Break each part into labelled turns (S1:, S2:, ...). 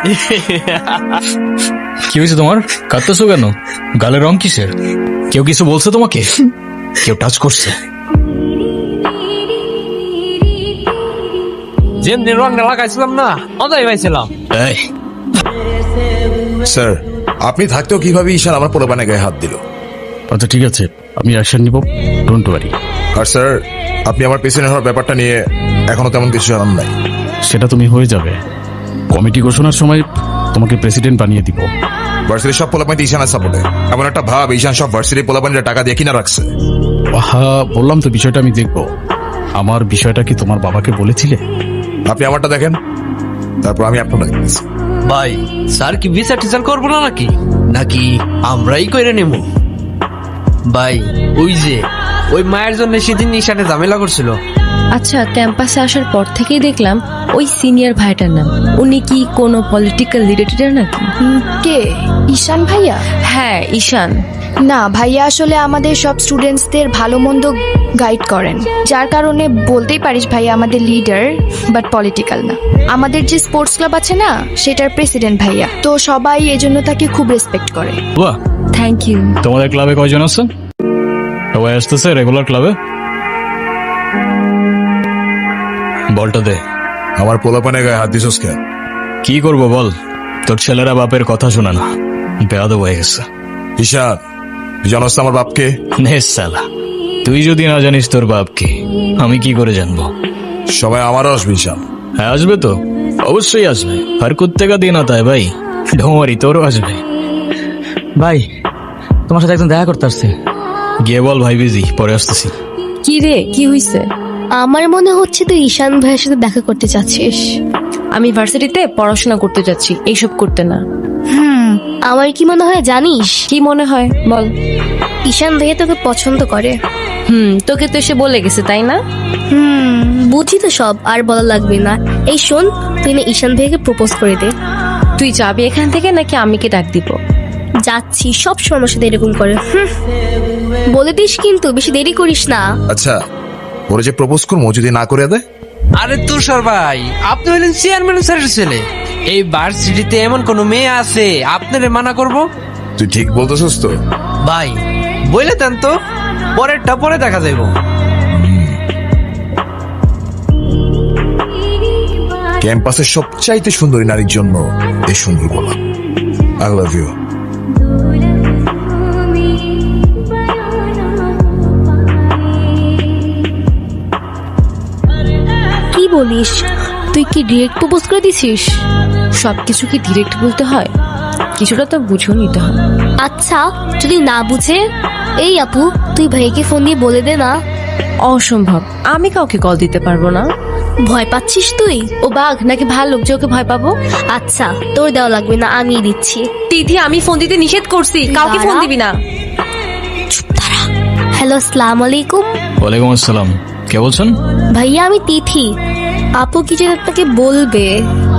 S1: কি হয়েছে তোমার? কাঁদতেছো কেন? গালের রং কিসের? কেউ কিছু বলছে তোমাকে? কেউ টাচ করছে?
S2: যেমনি রংটা লাগাইছিলাম না, মজাই পাইছিলাম।
S1: এই,
S3: স্যার, আপনি থাকতেও কিভাবে ঈশান আমার পোলাপানে গায়ে হাত দিল?
S1: আচ্ছা ঠিক আছে, আমি অ্যাকশন নিব, ডোন্ট ওয়ারি।
S3: আর স্যার, আপনি আমার পেছনে হওয়ার ব্যাপারটা নিয়ে এখনো তেমন কিছু জানান নাই।
S1: সেটা তুমি হয়ে যাবে। কমিটি ঘোষণার সময় তোমাকে প্রেসিডেন্ট বানিয়ে দিব।
S3: ভার্সিটির সব পোলাপানিতে ঈশানের সাপোর্টে। এমন একটা ভাব ঈশান সব ভার্সিটির পোলাপানিরা টাকা দিয়ে কিনা রাখছে।
S1: হ্যাঁ বললাম তো, বিষয়টা আমি দেখব। আমার বিষয়টা কি তোমার বাবাকে বলেছিলে?
S3: আপনি আমারটা দেখেন, তারপর আমি আপনারটা দেখতেছি।
S2: ভাই, স্যার কি বিচার টিচার করবো না নাকি নাকি আমরাই কইরে নেব? ভাই, ওই মায়ের জন্য সেদিন নিশানে ঝামেলা করছিল।
S4: আচ্ছা, ক্যাম্পাসে আসার পর থেকেই দেখলাম ওই সিনিয়র ভাইটার নাম। উনি কি কোনো পলিটিক্যাল রিলেটেড নাকি?
S5: কে? ঈশান ভাইয়া?
S4: হ্যাঁ, ঈশান।
S5: না ভাইয়া, আসলে আমাদের সব স্টুডেন্টসদের ভালো মন্দ গাইড করেন, যার কারণে বলতেই পারিস ভাইয়া আমাদের লিডার, বাট পলিটিক্যাল না। আমাদের যে স্পোর্টস ক্লাব আছে না, সেটার প্রেসিডেন্ট ভাইয়া, তো সবাই এজন্য তাকে খুব রেসপেক্ট করে।
S1: বাহ,
S4: থ্যাংক ইউ।
S1: তোমাদের ক্লাবে কয়জন আছে? সবাই আসতেছে রেগুলার ক্লাবে? বলটা দে।
S3: আমার পোলাপানে গায়ে হাত দিছস কেন?
S1: কি করব বল, তোর ছেলেরা বাপের কথা শোনা না, বেয়াদব হয়ে গেছে।
S3: ঈশান, তুই জানোস তো আমার বাপকে?
S1: নে সালা, তুই যদি না জানিস তোর বাপকে, আমি কি করে জানবো?
S3: সবাই আমারও আসবে ঈশান।
S1: হ্যাঁ আসবে তো, অবশ্যই আসবে। আর কুত্তেকা দিন আতা ভাই, ঢোমারি তোরও আসবে।
S2: ভাই, তোমার সাথে একজন দেখা করতে আসছে।
S1: গিয়ে বল ভাই বিজি, পরে আসতেছি।
S4: কি রে, কি হইছে?
S6: আমার মনে হচ্ছে তুই ঈশান ভাইয়ের সাথে দেখা করতে চাচ্ছিস।
S4: আমি ভার্সিটিতে পড়াশোনা করতে যাচ্ছি, এইসব করতে না।
S6: আমার কি মনে হয় জানিস,
S4: কি মনে হয় বল?
S6: ঈশান ভাইয়া তোকে পছন্দ করে।
S4: তোকে তো এসে বলে গেছে, তাই না?
S6: বুঝি তো সব, আর বলা লাগবে না। এই শোন, তুই না ঈশান ভাইয়াকে প্রপোজ করে দে।
S4: তুই যাবি এখান থেকে নাকি আমি কি ডাক দিব?
S6: যাচ্ছি, সব সময় সাথে এরকম করে। বলে দিস কিন্তু, বেশি দেরি করিস না।
S3: আচ্ছা, ওরে যে প্রপোজ করবো যদি না করে দেয়?
S2: আরে তুষার ভাই, আপনি হলেন চেয়ারম্যান স্যারের ছেলে। এই ভার্সিটিতে এমন কোন মেয়ে আছে আপনারে মানা করব?
S3: তুই ঠিক বলতেছস তো?
S2: ভাই বলে দেন তো, পরেরটা পরে দেখা যাইব।
S3: ক্যাম্পাসের সবচাইতে সুন্দরী নারীর জন্য এই সুন্দর গলা। I love you.
S6: কি বলিস, তুই কি ডিরেক্ট প্রপোজ করে দিছিস?
S4: সবকিছু কি ডিরেক্ট বলতে হয়? কিছুটা তো বুঝেও নিতে হয়।
S6: আচ্ছা, যদি না বুঝে, এই আপু তুই ভাইকে ফোন দিয়ে বলে দে না।
S4: অসম্ভব, আমি কাউকে কল দিতে পারবো না।
S6: ভয় পাচ্ছিস তুই?
S4: ও বাঘ নাকি ভাল্লুক যে ওকে ভয় পাবো?
S6: আচ্ছা, তোর দেওয়া লাগবে না, আমিই দিচ্ছি।
S4: দিদি, আমি ফোন দিতে নিষেধ করছি, কাউকে ফোন দিবি না।
S6: হ্যালো, আসসালামু আলাইকুম।
S1: ওয়ালাইকুম আসসালাম, কে বলছেন?
S6: ভাইয়া, আমি তিথি। আপু কি যেন আপনাকে বলবে।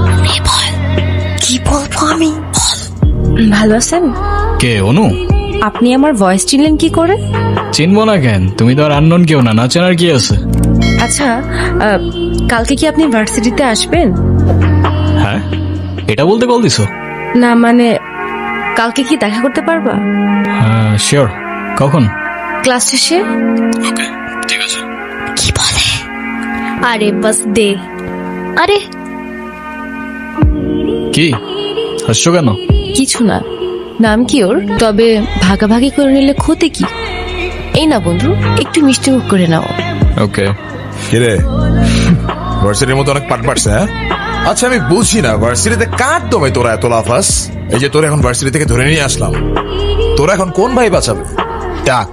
S6: কি বলবো আমি?
S4: ভালো আছেন?
S1: কে? অনু?
S4: আপনি আমার ভয়েস চিনলেন কি করে?
S1: চিনবো না কেন, তুমি তো আর আননোন কেউ না, না চেনার কি আছে?
S4: আচ্ছা, কালকে কি আপনি ভার্সিটিতে আসবেন?
S1: হ্যাঁ, এটা বলতে কল দিছো?
S4: না মানে, কালকে কি দেখা করতে পারবা?
S1: হ্যাঁ শিওর। কখন?
S4: ক্লাস শেষে।
S1: ঠিক আছে।
S6: কি বলে? আরে বাস দে। আরে
S1: কি হাসছো কেন?
S4: কিছু না, নাম কি ওর? তবে ভাগাভাগি করে নিলে ক্ষতি কি? এই না বন্ধু, একটু মিষ্টি মুখ করে নাও।
S1: ওকে।
S3: কিরে, ভার্সিটির মতো অনেক পাট পাটছে? হ্যাঁ, আচ্ছা আমি বুঝি না, ভার্সিটিতে কার দমে তোরা এত লাফাস? এই যে তোরা এখন ভার্সিটি থেকে ধরে নিয়ে আসলাম, তোরা এখন কোন ভাই বাঁচাবে? ডাক।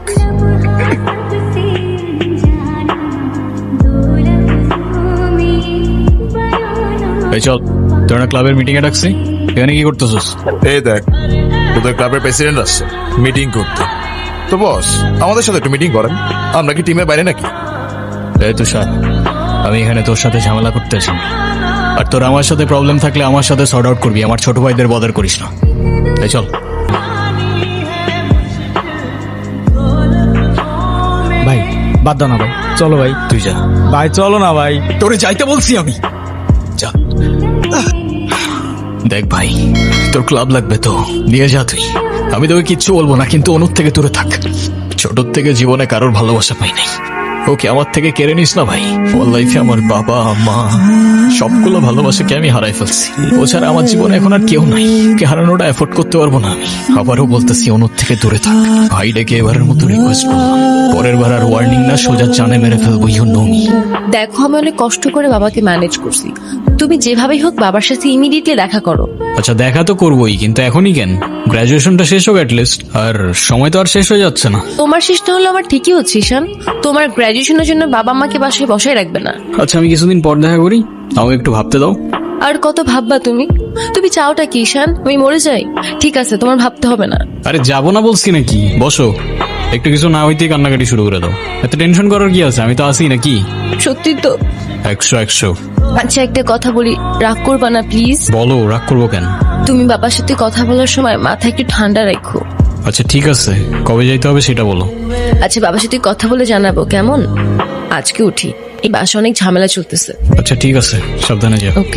S1: এই চল, তোরা ক্লাবের মিটিং এ ডাকছি, এখানে কি করতেছিস?
S3: এই দেখ, তোদের ক্লাবের প্রেসিডেন্ট আসছে মিটিং করতে। তো বস, আমাদের সাথে একটু মিটিং করেন। আমরা কি টিমের বাইরে নাকি?
S1: এই তুষার, আমি এখানে তোর সাথে ঝামেলা করতে আসি, আর তোর আমার সাথে প্রবলেম থাকলে আমার সাথে সর্ট আউট করবি, আমার ছোট ভাইদের বদার করিস না। এই চল।
S7: ভাই বাদ দাও না ভাই, চলো ভাই।
S1: তুই যা
S7: ভাই চলো না ভাই।
S1: তোরে যাইতে বলছি আমি, যা। দেখ ভাই, তোর ক্লাব লাগবে তো নিয়ে যা তুই, আমি তোকে কিচ্ছু বলবো না, কিন্তু অনুর থেকে দূরে থাক। ছোটর থেকে জীবনে কারোর ভালোবাসা পাই নাই, ওকে আমার থেকে কেড়ে নিস না ভাই। ওর লাইফে আমার বাবা মা সবগুলো ভালোবাসাকে আমি হারাই ফেলছি, ও ছাড়া আমার জীবনে এখন আর কেউ নাই, ওকে হারানোটা এফোর্ড করতে পারবো না আমি। আবারও বলতেছি অনুর থেকে দূরে থাক ভাই, ডেকে এবারের মতো রিকোয়েস্ট করলাম, পরের বার আর ওয়ার্নিং না, সোজা জানে মেরে ফেলবো, ইউ নো মি।
S4: দেখো আমি অনেক কষ্ট করে বাবাকে ম্যানেজ করছি, তুমি যেভাবেই হোক বাবার সাথে ইমিডিয়েটলি দেখা করো।
S1: আচ্ছা দেখা তো করবোই, কিন্তু এখনই কেন? গ্রাজুয়েশনটা শেষ হোক অ্যাটলিস্ট, আর সময় তো আর শেষ হয়ে যাচ্ছে না।
S4: তোমার শেষটা হলো আমার ঠিকই হচ্ছে ঈশান, তোমার গ্র্যাজুয়েশনের জন্য বাবা মাকে বাসায় বসায় রাখবে না।
S1: আচ্ছা আমি কিছুদিন পর দেখা করি, আমাকে একটু ভাবতে দাও।
S4: আর কত ভাববা তুমি? তুমি চাওটা কি ঈশান, আমি মরে যাই? ঠিক আছে, তোমার ভাবতে হবে না।
S1: আরে যাবো না বলছি নাকি, বসো, একটু কিছু না হইতেই কান্নাকাটি শুরু করে দাও। এত টেনশন করার কি আছে, আমি তো আসি নাকি।
S4: সত্যি তো?
S1: 100।
S4: আচ্ছা একটা কথা বলি, রাগ করবা না প্লিজ?
S1: বলো, রাগ করবো কেন?
S4: তুমি বাবার সাথে কথা বলার সময় মাথা একটু ঠান্ডা রাখো।
S1: আচ্ছা ঠিক আছে, কবে যাইতে হবে সেটা বলো।
S4: আচ্ছা বাবার সাথে কথা বলে জানাবো কেমন? আজকে উঠি, এই বাসা অনেক ঝামেলা চলতেছে।
S1: আচ্ছা ঠিক আছে, সাবধানে যাও।
S4: ওকে।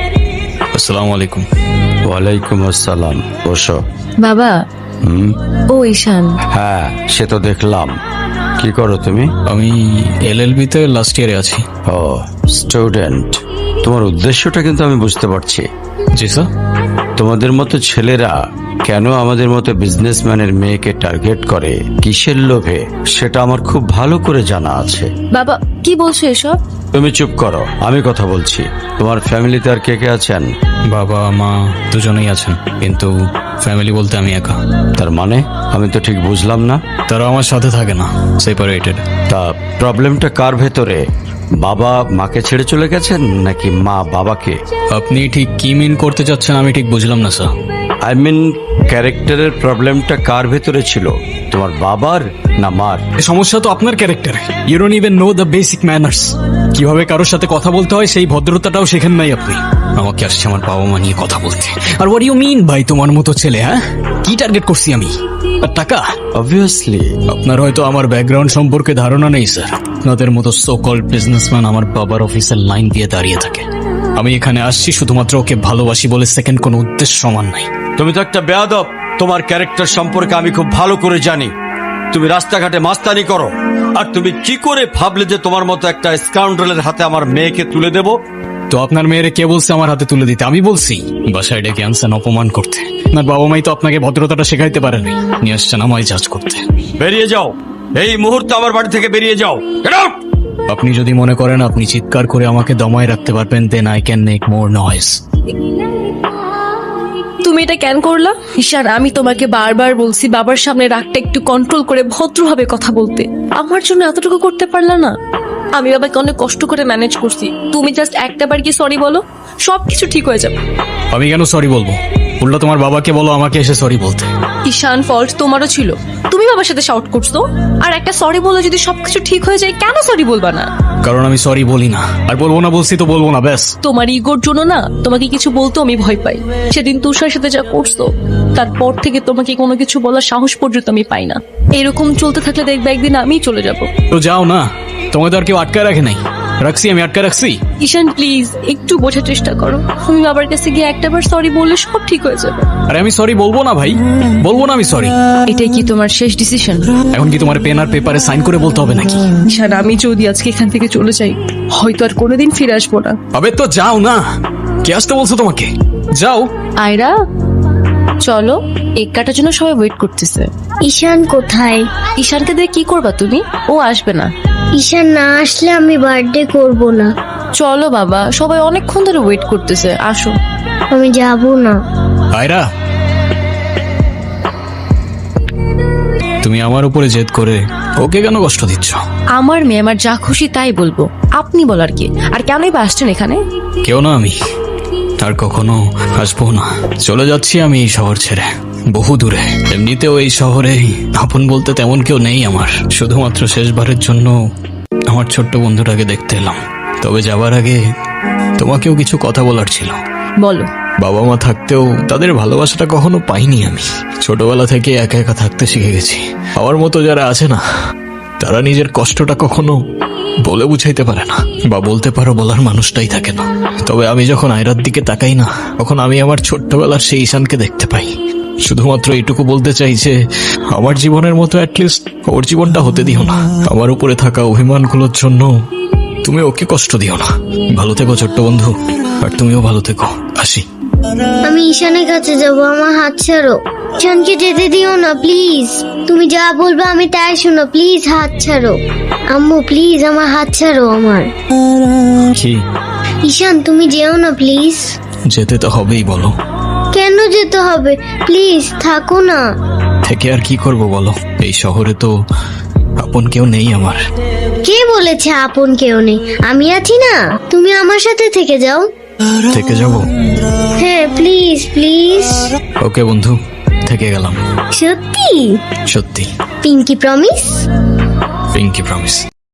S1: আসসালামু আলাইকুম।
S8: ওয়ালাইকুম আসসালাম, বসো।
S4: বাবা,
S8: হুম,
S4: ও ঈশান।
S8: হ্যাঁ সে তো দেখলাম। কি করো তুমি?
S1: আমি LLB তে লাস্ট ইয়ারে আছি।
S8: ও স্টুডেন্ট, তোমার উদ্দেশ্যটা কিন্তু আমি বুঝতে পারছি।
S1: জি স্যার।
S8: তোমাদের মতো ছেলেরা কেন আমাদের মতো বিজনেসম্যানের মেয়েকে টার্গেট করে, কিসের লোভে, সেটা আমার খুব ভালো করে জানা আছে।
S4: বাবা কি বলছো এসব?
S8: তুমি চুপ করো, আমি কথা বলছি। তোমার ফ্যামিলিতে আর কে কে আছেন?
S1: বাবা মা দুজনেই আছেন, কিন্তু ফ্যামিলি বলতে আমি একা।
S8: তার মানে আমি তো ঠিক বুঝলাম না।
S1: তারা আমার সাথে থাকে না, সেপারেটেড।
S8: তা প্রবলেমটা কার ভেতরে? বাবা মাকে ছেড়ে চলে গেছেন নাকি মা বাবাকে?
S1: আপনি ঠিক কি মিন করতে চাচ্ছেন আমি ঠিক বুঝলাম না স্যার।
S8: আই মিন ক্যারেক্টারের প্রবলেমটা কার ভেতরে ছিল, তোমার বাবার না মার?
S1: সমস্যা তো আপনার ক্যারেক্টারে। You don't even know the basic manners, কিভাবে কারোর সাথে কথা বলতে হয় সেই ভদ্রতাটাও শেখেন নাই আপনি। আমাকে আসছে আমার বাবা মা নিয়ে কথা বলতে। আর হোয়াট ইউ মিন ভাই, তোমার মতো ছেলে? হ্যাঁ, কি টার্গেট করছি আমি? আর টাকা?
S8: অবভিয়াসলি।
S1: আপনার হয়তো আমার ব্যাকগ্রাউন্ড সম্পর্কে ধারণা নেই স্যার। আপনাদের মতো সো কল্ড বিজনেসম্যান আমার বাবার অফিসের লাইন দিয়ে দাঁড়িয়ে থাকে। আমি এখানে আসছি শুধুমাত্র ওকে ভালোবাসি বলে, সেকেন্ড কোনো উদ্দেশ্য সমান নাই।
S8: তুমি তো একটা বেয়াদব। তোমার ক্যারেক্টার সম্পর্কে আমি খুব ভালো করে জানি। তুমি রাস্তাঘাটে মাস্তানি করো, আর তুমি কি করে ভাবলে যে তোমার মতো একটা স্কাউন্ডারের হাতে আমার মেয়েকে তুলে দেব?
S1: তো আপনার মেয়েরে কে বলছে আমার হাতে তুলে দিতে? আমি বলছি? বাসায় ডেকে আনছেন অপমান করতে। আপনার বাবা মাই তো আপনাকে ভদ্রতাটা শেখাইতে পারেনি, নিয়ে আসছেন আমায় জাজ করতে।
S8: বেরিয়ে যাও, এই মুহূর্তে আমার বাড়ি থেকে বেরিয়ে যাও। Get out!
S1: আপনি যদি মনে করেন আপনি চিৎকার করে আমাকে দমায় রাখতে পারবেন, then I can make more noise.
S4: তুমি এটা কেন করলা ঈশান? আমি তোমাকে বারবার বলছি বাবার সামনে রাগটা একটু কন্ট্রোল করে ভদ্রভাবে কথা বলতে, আমার জন্য এতটুকু করতে পারলা না? আমি বাবাকে অনেক কষ্ট করে ম্যানেজ করছি, তুমি জাস্ট একটা বার গিয়ে সরি বলো, সবকিছু ঠিক হয়ে যাবে।
S1: আমি কেন সরি বলবো? উল্টা তোমার বাবাকে বলো আমাকে এসে সরি বলতে।
S4: ঈশান ফল্ট তোমারও ছিল, তুমি বাবার সাথে শাউট করছো। আর একটা সরি বলে যদি সবকিছু ঠিক হয়ে যায়, কেন সরি বলবা না?
S1: কারণ আমি সরি বলি না, আর বলবো না বলছি তো বলবো না, ব্যাস।
S4: তোমার ইগোর জন্য না তোমাকে কিছু বলতে আমি ভয় পাই। সেদিন তুষার সাথে যা করছো, তারপর থেকে তোমাকে কোনো কিছু বলার সাহস পর্যন্ত আমি পাই না। এরকম চলতে থাকলে দেখবে একদিন আমিই চলে যাব।
S1: তো যাও না, তোমাকে তো আর কেউ আটকায় রাখে নাই। রাখছি, আমি আটকায় রাখছি?
S4: ঈশান প্লিজ একটু বোঝার চেষ্টা করো, তুমি বাবার কাছে গিয়ে একটাবার সরি বললে সব ঠিক হয়ে যাবে।
S1: আরে আমি সরি বলবো না ভাই, বলবো না আমি সরি।
S4: এটাই কি তোমার শেষ ডিসিশন?
S1: এখন কি তোমার পেন আর পেপারে সাইন করে বলতে হবে নাকি?
S4: ঈশান আমি যদি আজকে এখান থেকে চলে যাই, হয়তো আর কোনোদিন ফিরে আসবো না।
S1: আবে তো যাও না, কে আসতে বলছো তোমাকে? যাও।
S4: আয়রা চলো, এক কাটার জন্য সবাই ওয়েট করতেছে।
S6: ঈশান কোথায়?
S4: ঈশানকে দিয়ে কি করবা তুমি? ও আসবে না।
S6: ঈশান না আসলে আমি বার্থডে করব না।
S4: চলো বাবা, সবাই অনেকক্ষণ ধরে ওয়েট করতেছে, আসো।
S6: আমি যাব না।
S1: আয়রা, তুমি আমার উপরে জেদ করে ওকে কেন কষ্ট দিচ্ছ?
S4: আমার মেয়ে, আমার যা খুশি তাই বলবো, আপনি বলার কি? আর কেনই বা আসছেন এখানে?
S1: কেউ না আমি, আর কখনো আসবো না। চলে যাচ্ছি আমি এই শহর ছেড়ে, বহু দূরে। এমনিতেও এই শহরে আপন বলতে তেমন কেউ নেই আমার। শুধুমাত্র শেষবারের জন্য আমার ছোট্ট বন্ধুটাকে দেখতে এলাম। তবে যাবার আগে তোমাকেও কিছু কথা বলার ছিল।
S4: বলো।
S1: বাবা মা থাকতেও তাদের ভালোবাসাটা কখনো পাইনি আমি। ছোটবেলা থেকে একা একা থাকতে শিখে গেছি। আমার মতো যারা আছে না, তারা নিজের কষ্টটা কখনো বলে বুঝাইতে পারে না, বা বলতে পারো বলার মানুষটাই থাকে না। তবে আমি যখন আয়রার দিকে তাকাই না, তখন আমি আমার ছোট্টবেলার সেই ঈশানকে দেখতে পাই। শুধুমাত্র এইটুকু বলতে চাই যে আমার জীবনের মতো অ্যাটলিস্ট ওর জীবনটা হতে দিও না। আমার উপরে থাকা অভিমানগুলোর জন্য তুমি ওকে কষ্ট দিও না। ভালো থেকো ছোট্ট বন্ধু, আর তুমিও ভালো থেকো। আসি।
S6: আমি ঈশানের কাছে যাব, আমার হাত ছাড়ো। ঈশানকে যেতে দিও না প্লিজ। তুমি যা বলবে আমি তাই শুনো, প্লিজ হাত ছাড়ো। আম্মু প্লিজ আমার হাত ছাড়ো আমার।
S1: কি?
S6: ঈশান তুমি যেও না প্লিজ।
S1: যেতে তো হবেই, বলো।
S6: কেন যেতে হবে? প্লিজ থাকো না।
S1: থেকে আর কি করব বলো? এই শহরে তো আপন কেউ নেই আমার।
S6: কে বলেছে আপন কেউ নেই? আমি আছি না, তুমি আমার সাথে থেকে যাও।
S1: থেকে যাব?
S6: হ্যাঁ প্লিজ প্লিজ।
S1: ওকে বন্ধু, থেকে গেলাম।
S6: সত্যি?
S1: সত্যি।
S6: Pinky promise?
S1: Pinky promise.